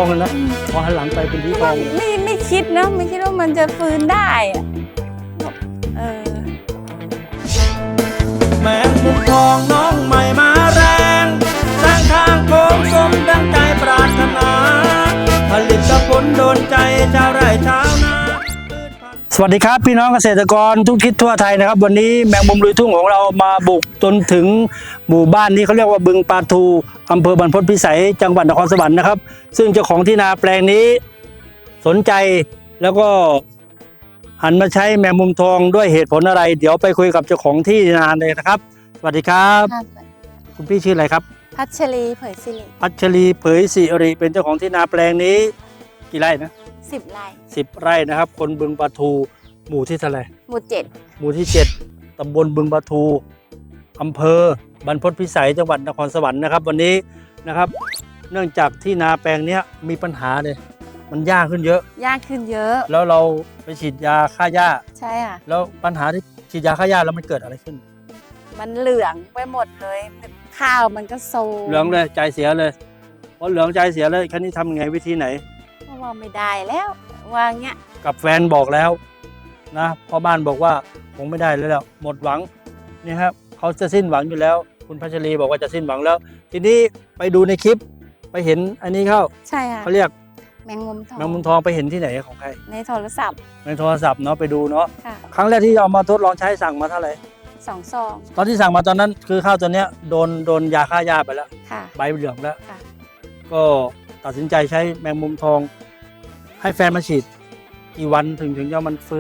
เลยนะพอหันหลังไปเป็นสีทองไม่คิดนะไม่คิดว่ามันจะฟื้นได้อะแมงมุมทองน้องใหม่มาแรงสร้างทางโค้งสมดังใจปรารถนาผลิตผลโดนใจชาวไร่ชาวนาสวัสดีครับพี่น้องเกษตรกรทุกทิศทั่วไทยนะครับวันนี้แมงมุมลุยทุ่งของเรามาบุกจนถึงหมู่บ้านนี้เขาเรียกว่าบึงปลาทูอำเภอบรรพตพิสัยจังหวัดนครสวรรค์นะครับซึ่งเจ้าของที่นาแปลงนี้สนใจแล้วก็หันมาใช้แมงมุมทองด้วยเหตุผลอะไรเดี๋ยวไปคุยกับเจ้าของที่นาเลยนะครับสวัสดีครับคุณพี่ชื่ออะไรครับพัชรีเผยสิริพัชรีเผยสิริเป็นเจ้าของที่นาแปลงนี้กี่ไร่นะ 10 ไร่ 10 ไร่นะครับคนบึงปลาทูหมู่ที่เท่าไหร่หมู่ที่ 7ตำบลบึงปลาทูอำเภอบรรพตพิสัยจังหวัดนครสวรรค์นะครับวันนี้นะครับเนื่องจากที่นาแปลงนี้มีปัญหาเลยมันยากขึ้นเยอะแล้วเราไปฉีดยาฆ่าหญ้าใช่ค่ะแล้วปัญหาที่ฉีดยาฆ่าหญ้าแล้วมันเกิดอะไรขึ้นมันเหลืองไปหมดเลยข้าวมันก็โซเหลืองเลยใจเสียเลยพอเหลืองใจเสียเลยครั้นี้ทำไงวิธีไหนว่าไม่ได้แล้ววางเงี้ยกับแฟนบอกแล้วนะพ่อบ้านบอกว่าคงไม่ได้แล้วหมดหวังนี่ครับเขาจะสิ้นหวังอยู่แล้วคุณพัชรีบอกว่าจะสิ้นหวังแล้วทีนี้ไปดูในคลิปไปเห็นอันนี้เข้าใช่ค่ะเขาเรียกแมงมุมทองไปเห็นที่ไหนของใครในโทรศัพท์เนาะไปดูเนาะครั้งแรกที่เอามาทดลองใช้สั่งมาเท่าไหร่ 2 ซองตอนที่สั่งมาตอนนั้นคือข้าวตัวเนี้ยโดนยาฆ่าหญ้าไปแล้วใบเหลืองแล้วก็ตัดสินใจใช้แมงมุมทองให้แฟนมาฉีดกี่วันถึงจะมันฟื้น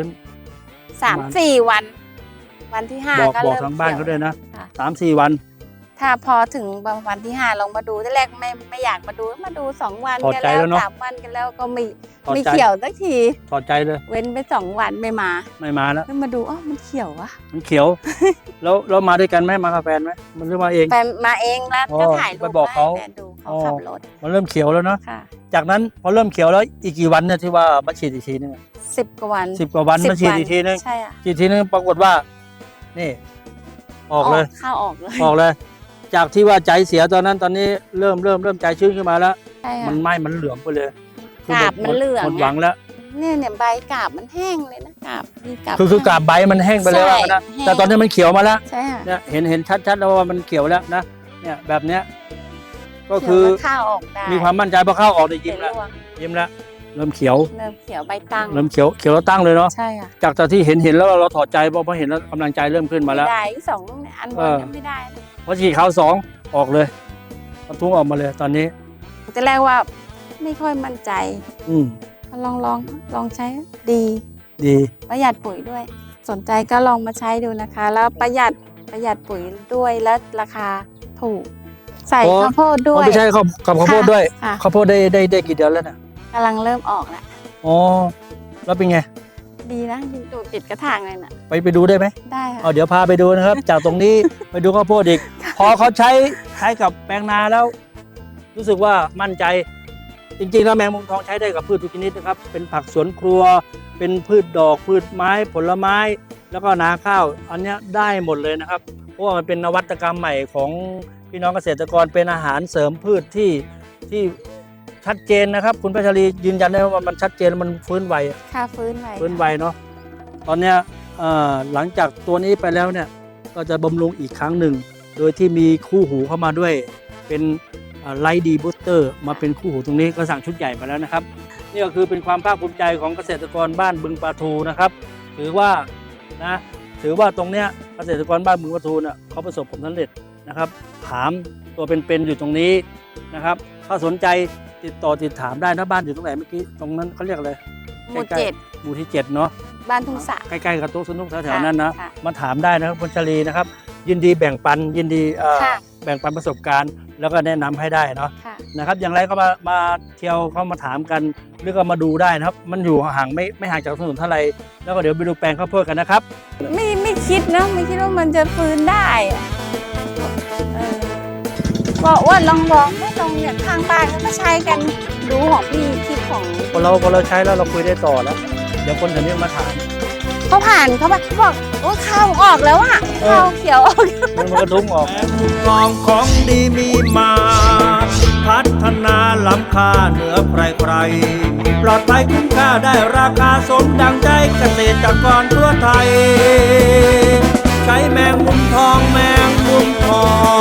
3-4 วันวันที่5ก็บอกทางบ้านเขาด้วยนะ3-4 วันถ้าพอถึงวันที่5ลองมาดูที่แรกไม่อยากมาดู2 วันกันแล้ว 3 วันกันแล้วก็ไม่เขียวสักทีถอดใจเลยเว้นไป2 วันไม่มาแล้วมาดูมันเขียววะมันเขียว แล้วมาด้วยกันไหมมากับแฟนไหมมันเริ่มมาเองแฟนมาเองแล้วก็ถ่ายรูปไปบอกเขาดูเขาขับรถมันเริ่มเขียวแล้วเนาะจากนั้นพอเริ่มเขียวแล้วอีกกี่วันเนี่ยที่ว่ามาฉีดอีกทีนึง 10 กว่าวันมาฉีดอีกทีนึงใช่อ่ะฉีดทีนึงปรากฏว่านี่ออกเลยข้าวออกเลยจากที่ว่าใจเสียตอนนั้นตอนนี้เริ่มใจชื้นขึ้นมาแล้วมันไหม้มันเหลืองไปเลยกาบมันเหลืองหมดหวังแล้วเนี่ยใบกาบมันแห้งเลยนะกาบคือกาบใบมันแห้งไปแล้วนะแต่ตอนนี้มันเขียวมาแล้วใช่ค่ะเนี่ยเห็นชัดๆแล้วว่ามันเขียวแล้วนะเนี่ยแบบเนี้ยก็คือข้าวออกได้มีความมั่นใจพอข้าวออกได้ยิ้มแล้วเริ่มเขียวใบตั้งเริ่มเขียวแล้วตั้งเลยเนาะใช่ค่ะจากที่เห็นแล้วเราถอดใจเพราะเห็นแล้วกำลังใจเริ่มขึ้นมาแล้วได้2 อันบนไม่ได้พอฉีดขาว2ออกเลยทุ่งออกมาเลยตอนนี้แต่แรกว่าไม่ค่อยมั่นใจลองใช้ดีประหยัดปุ๋ยด้วยสนใจก็ลองมาใช้ดูนะคะแล้วประหยัดปุ๋ยด้วยและราคาถูกใส่ข้าวโพดด้วยไม่ใช่กับข้าวโพดด้วยข้าวโพดได้กี่เดือนแล้วนะกำลังเริ่มออกแล้วแล้วเป็นไงดีนะดูติดกระถางเลยนะไปดูได้ไหมได้ค่ะเดี๋ยวพาไปดูนะครับ จากตรงนี้ไปดูข้าวโพดอีกพอเขาใช้กับแปลงนาแล้วรู้สึกว่ามั่นใจจริงๆแล้วแมงมุมทองใช้ได้กับพืชทุกชนิดนะครับเป็นผักสวนครัวเป็นพืชดอกพืชไม้ผลไม้แล้วก็นาข้าวอันนี้ได้หมดเลยนะครับเพราะว่ามันเป็นนวัตกรรมใหม่ของพี่น้องเกษตรกรเป็นอาหารเสริมพืชที่ชัดเจนนะครับคุณพัชรียืนยันได้ว่ามันชัดเจนมันฟื้นไวฟื้นไวเนาะตอนเนี้ยหลังจากตัวนี้ไปแล้วเนี่ยก็จะบำรุงอีกครั้งหนึ่งโดยที่มีคู่หูเข้ามาด้วยเป็นไลท์ดีบูสเตอร์มาเป็นคู่หูตรงนี้ก็สั่งชุดใหญ่มาแล้วนะครับนี่ก็คือเป็นความภาคภูมิใจของเกษตรกรบ้านบึงปลาทูนะครับถือว่าตรงเนี้ยเกษตรกรบ้านบึงปลาทูเนี่ยเขาประสบผลสำเร็จนะครับถามตัวเป็นอยู่ตรงนี้นะครับถ้าสนใจติดถามได้นะบ้านอยู่ตรงไหนเมื่อกี้ตรงนั้นเขาเรียกอะไรหมู่ที่ 7เนาะบ้านทุ่งสะใกล้ๆกับโต๊ะสนุกแถวๆนั้นนะมาถามได้นะครับพัชรีนะครับยินดีแบ่งปันแบ่งปันประสบการณ์แล้วก็แนะนำให้ได้เนาะนะครับอย่างไรก็มาเที่ยวเข้ามาถามกันหรือก็มาดูได้นะครับมันอยู่ห่างไม่ห่างจากถนนเท่าไรแล้วก็เดี๋ยวไปดูแปลงข้าวโพดกันนะครับไม่คิดนะไม่คิดว่ามันจะฟื้นได้บอกว่าลองไม่ลองเนี่ยทางบ้านก็ใช้กันดูของพี่คลิปของพอเราใช้แล้วเราคุยได้ต่อแล้วเดี๋ยวคนแถวนี้มาถามเขาผ่านเขาบอกโอ้ข้าวออกแล้วอ่ะข้าวเขียวออกมันกระทุ้งออกแมงมุมทองของดีมีมาพัฒนาล้ำค่าเหนือใครๆปลอดภัยคุ้มค่าได้ราคาสมดังใจเกษตรกรทั่วไทยใช้แมงมุมทองแมงมุมทอง